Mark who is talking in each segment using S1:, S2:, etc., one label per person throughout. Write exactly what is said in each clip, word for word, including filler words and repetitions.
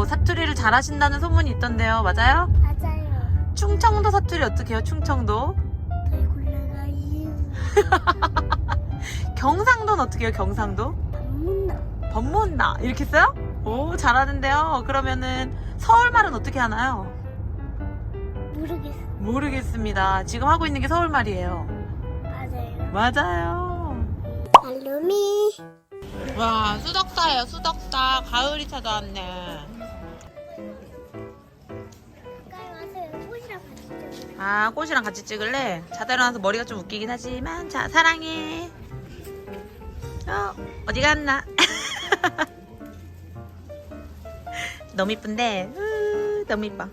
S1: 또 사투리를 잘하신다는 소문이 있던데요. 맞아요?
S2: 맞아요.
S1: 충청도 사투리 어떻게 해요? 충청도?
S2: 잘 골라가요.
S1: 경상도는 어떻게 해요? 경상도?
S2: 방문나.
S1: 법문나 이렇게 써요? 오, 잘하는데요. 그러면은 서울말은 어떻게 하나요?
S2: 모르겠어.
S1: 모르겠습니다. 지금 하고 있는 게 서울말이에요.
S2: 맞아요.
S1: 맞아요.
S2: 알루미.
S1: 와, 수덕사예요. 수덕사. 가을이 찾아왔네.
S2: 가까이 와서 꽃이랑 같이 찍어요.
S1: 아, 꽃이랑 같이 찍을래? 자다 일어나서 머리가 좀 웃기긴 하지만, 자, 사랑해. 어, 어디 갔나? 너무 이쁜데, 으, 너무 이뻐.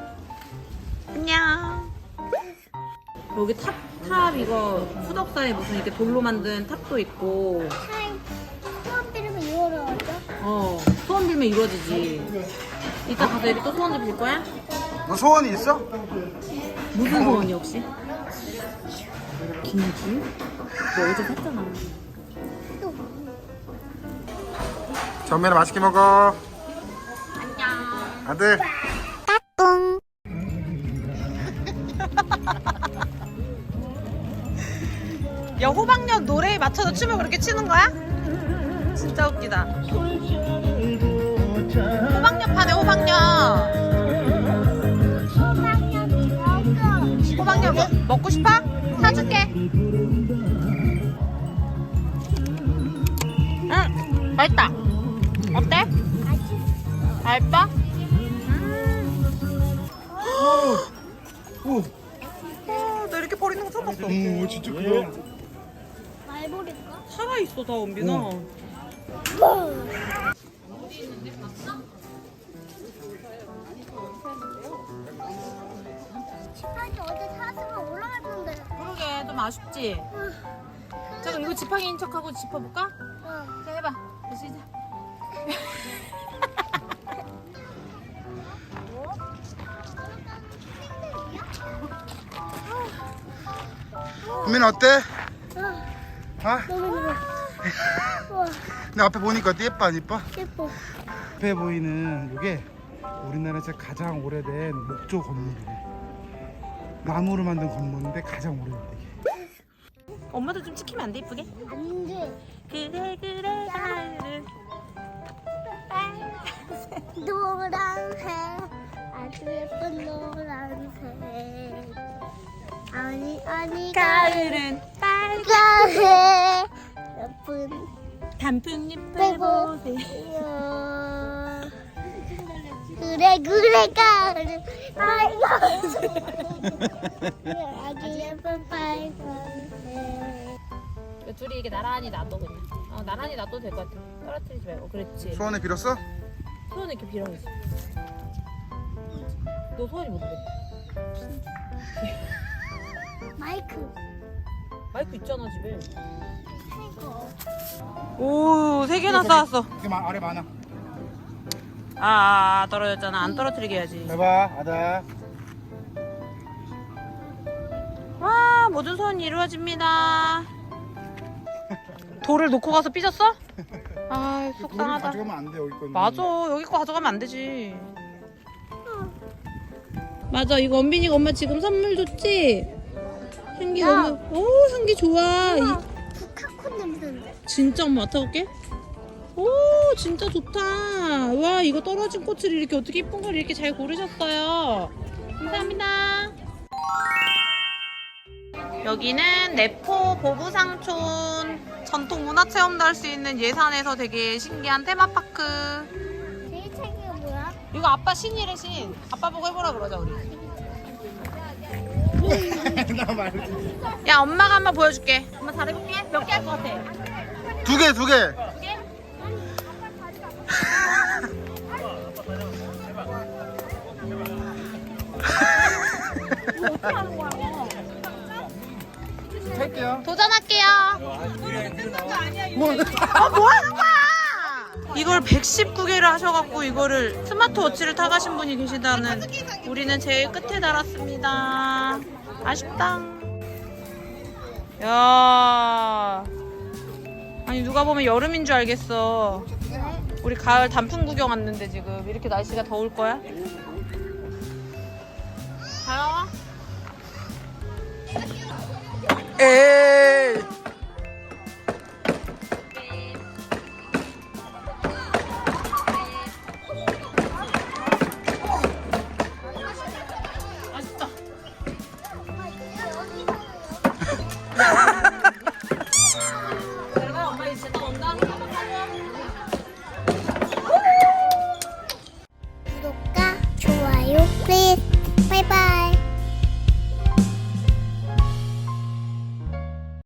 S1: 안녕. 여기 탑, 탑 이거 수덕사에 무슨 이렇게 돌로 만든 탑도 있고,
S2: 타임. 수업 들으면 이거로죠?
S1: 어, 소원 빌면 이루어지지. 이따 가서 여기 또 소원 좀 빌 거야?
S3: 너 소원이 있어?
S1: 무슨 소원이 혹시? 김치? 너 어제 샀잖아.
S2: 또.
S3: 전면에 맛있게 먹어.
S1: 안녕.
S3: 아들.
S2: 뿡.
S1: 야, 호박엿 노래에 맞춰서 춤을 그렇게 추는 거야? 진짜 웃기다. 호박엿 파네, 호박엿. 호박엿 먹, 먹고 싶어? 사줄게. 응, 맛있다. 어때? 맛있어?
S3: 오,
S1: 어, 나 이렇게 버리는 거 처음 봤어.
S3: 오, 진짜 크다.
S2: 말버릴까?
S1: 살아있어, 다 원빈아.
S2: 지팡이 어제 탔으면 올라갔는데.
S1: 그러게, 좀 아쉽지? 잠깐 이거 지팡이인 척하고 짚어볼까?
S2: 어.
S1: 자, 해봐. 시작.
S3: 국민 어때?
S2: 아,
S3: 아?
S2: 너무 좋아. 우와,
S3: 내 앞에 보니까 어때? 예뻐 안 예뻐?
S2: 예뻐.
S3: 앞에 보이는 이게 우리나라에서 가장 오래된 목조 건물이래. 나무로 만든 건물인데 가장 오래됐대. 이게.
S1: 엄마도 좀 찍히면 안 돼, 이쁘게?
S2: 안 돼.
S1: 그래, 그래, 가을은.
S2: 노란색. 아주 예쁜 노란색. 아니, 아니,
S1: 가을은
S2: 빨간색. 예쁜
S1: 단풍잎을
S2: 빼고.
S1: 보세요.
S2: 그래, 그래, 가을은 빨간색. 아주 예쁜 빨간색.
S1: 둘이 이게 나란히 놔둬, 그냥. 어, 나란히 놔둬도 될 것 같아. 떨어뜨리지 말고. 그렇지.
S3: 소원을 빌었어?
S1: 소원을 이렇게 빌어 있어. 너 소원이 뭔데?
S2: 마이크.
S1: 마이크 있잖아, 집에.
S2: 이거.
S1: 오, 세 개나 쌓았어.
S3: 이게 마, 아래 많아.
S1: 아, 아, 떨어졌잖아. 안 떨어뜨리게 해야지.
S3: 해봐, 아들.
S1: 와, 모든 소원이 이루어집니다. 돌을 놓고 가서 삐졌어? 아,
S3: 돌을
S1: 속상하다.
S3: 가져가면 안 돼, 여기 거는.
S1: 맞아, 여기 거 가져가면 안 되지. 맞아, 이거 원빈이가 엄마 지금 선물 줬지? 향기
S2: 야.
S1: 너무, 오, 향기 좋아. 이,
S2: 북한콘 냄새인데.
S1: 진짜 엄마 맡아볼게. 오, 진짜 좋다. 와, 이거 떨어진 꽃을 이렇게 어떻게 예쁜 걸 이렇게 잘 고르셨어요. 감사합니다. 여기는 내포 보부상촌 전통 문화체험도 할 수 있는 예산에서 되게 신기한 테마파크.
S2: 제일 책이 뭐야?
S1: 이거 아빠 신이래, 신. 아빠 보고 해보라 그러자, 우리.
S3: 나 말지.
S1: 야, 엄마가 한번 보여줄게. 엄마 잘해볼게. 몇 개 할 것 같아?
S3: 두 개, 두 개.
S1: 두 개? 어떻게 하는 거야?
S3: 할게요.
S1: 도전할게요.
S3: 뭐?
S1: 아, 뭐 하는 거야? 이걸 백십구 개를 하셔갖고 이거를 스마트워치를 타가신 분이 계시다는. 우리는 제일 끝에 달았습니다. 아쉽다. 야, 아니 누가 보면 여름인 줄 알겠어. 우리 가을 단풍 구경 왔는데 지금 이렇게 날씨가 더울 거야? 잘 나와? 에이. 맛있다.